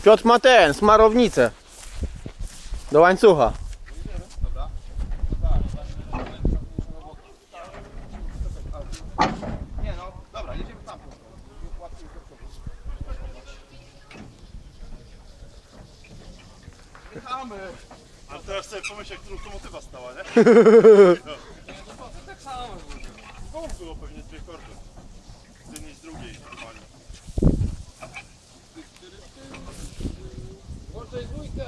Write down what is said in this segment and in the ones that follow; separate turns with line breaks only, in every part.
Piotr ma smarownicę. Do łańcucha.
Nie no, dobra, jedziemy tam. Jechamy.
A teraz sobie pomyśl, jak tu lokomotywa stała, nie?
Tak samo.
W domu było pewnie dwie kordy. Z jednej i z drugiej normalnie.
Włączaj dwójkę.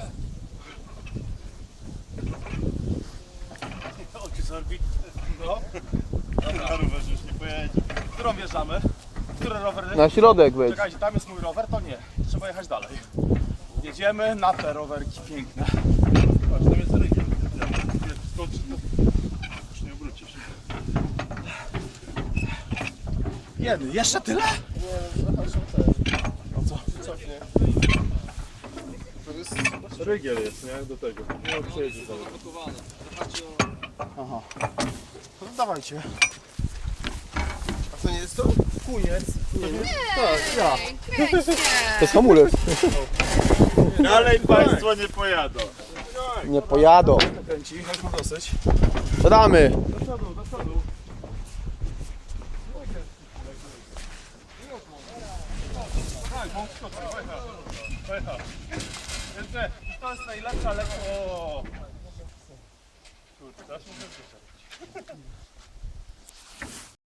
Oczy z orbity. No. Na rowerze już nie pojedzie.
Którą wjeżdżamy? Który rower?
Na środek wejdź.
Czekajcie, tam jest mój rower, to nie. Trzeba jechać dalej. Jedziemy na te rowerki piękne.
Patrz, tam jest rygiel. Jak skoczy, to już nie obrócisz.
Jedy, jeszcze tyle?
No co? Cofnie. Rygiel jest, nie? Do tego. Nie przejedzie dalej.
Aha. No to dawajcie.
A to nie jest to?
Kuniec.
Tak, ja.
To jest hamulec.
Dalej państwo nie pojadą.
Nie pojadą.
Kręci, już ma dosyć.
To damy.
Do przodu, do przodu. Tak, bo skoczy, pojechał. Jeszcze, to jest najlepsza, ale... O! Kurczę, teraz muszę wyszedł.